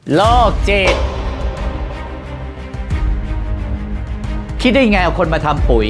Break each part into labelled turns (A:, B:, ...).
A: โลกจิตคิดได้ไงเอาคนมาทำปุ๋ย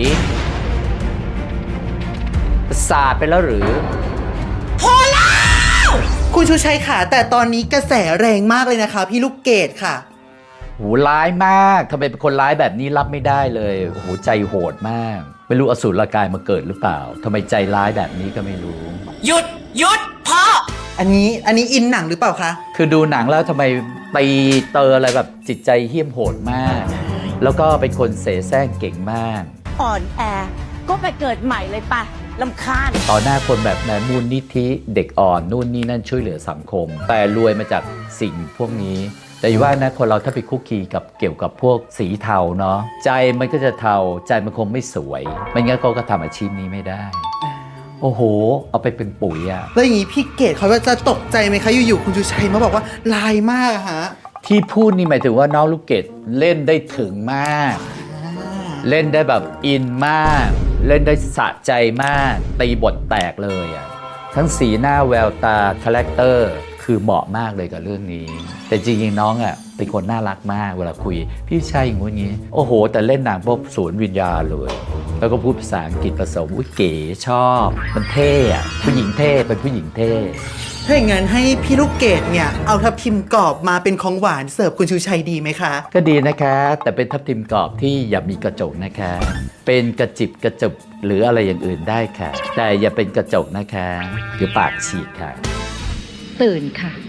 A: ศาสตร์ไปแล้วหรือ
B: พอแล้วคุณชูชัยค่ะแต่ตอนนี้กระแสแรงมากเลยนะคะพี่ลูกเกดค่ะ
A: หูร้ายมากทำไมเป็นคนร้ายแบบนี้รับไม่ได้เลยโอ้โหใจโหดมากไม่รู้อสูรกายมาเกิดหรือเปล่าทำไมใจร้ายแบบนี้ก็ไม่รู้
B: หยุดพ่ออันนี้อินหนังหรือเปล่าคะ
A: คือดูหนังแล้วทำไมตีเตออะไรแบบจิตใจเหี้ยมโหดมากแล้วก็เป็นคนเสแสร้งเก่งมาก
C: อ่อนแอก็ไปเกิดใหม่เลยป่ะลำคาญ
A: ต่อหน้าคนแบบนั้นมูลนิธิเด็กอ่อนนู่นนี่นั่นช่วยเหลือสังคมแต่รวยมาจากสิ่งพวกนี้แต่ว่านะคนเราถ้าไปคุกคีกับเกี่ยวกับพวกสีเทาเนาะใจมันก็จะเทาใจมันคงไม่สวยไม่งั้นเขาก็ทำอาชีพนี้ไม่ได้โอ้โหเอาไปเป็นปุ๋ยอะ
B: แล้วอย่างนี้พี่เกดเขาจะตกใจไหมคะอยู่ๆคุณชูชัยมาบอกว่าลายมากอะฮะ
A: ที่พูดนี่หมายถึงว่าน้องลูกเกดเล่นได้ถึงมากเล่นได้แบบอินมากเล่นได้สะใจมากตีบทแตกเลยอะทั้งสีหน้าแววตาคาแรคเตอร์คือเหมาะมากเลยกับเรื่องนี้แต่จริงๆน้องอ่ะเป็นคนน่ารักมากเวลาคุยพี่ชัยอย่างงี้โอ้โหแต่เล่นหนังพวกศูนย์วิญญาณเลยแล้วก็พูดภาษาอังกฤษผสมอุ้ยเก๋ชอบมันเท่อะผู้หญิงเท่เป็นผู้หญิงเท่
B: ถ้าอย่างนั้นให้พี่ลูกเกดเนี่ยเอาทับทิมกรอบมาเป็นของหวานเสิร์ฟคุณชูชัยดีไหมคะ
A: ก็ดีนะคะแต่เป็นทับทิมกรอบที่อย่ามีกระจกนะคะเป็นกระจิบกระจุบหรืออะไรอย่างอื่นได้ค่ะแต่อย่าเป็นกระจกนะคะเดี๋ยวปากฉีกค่ะ
C: ตื่นค่ะ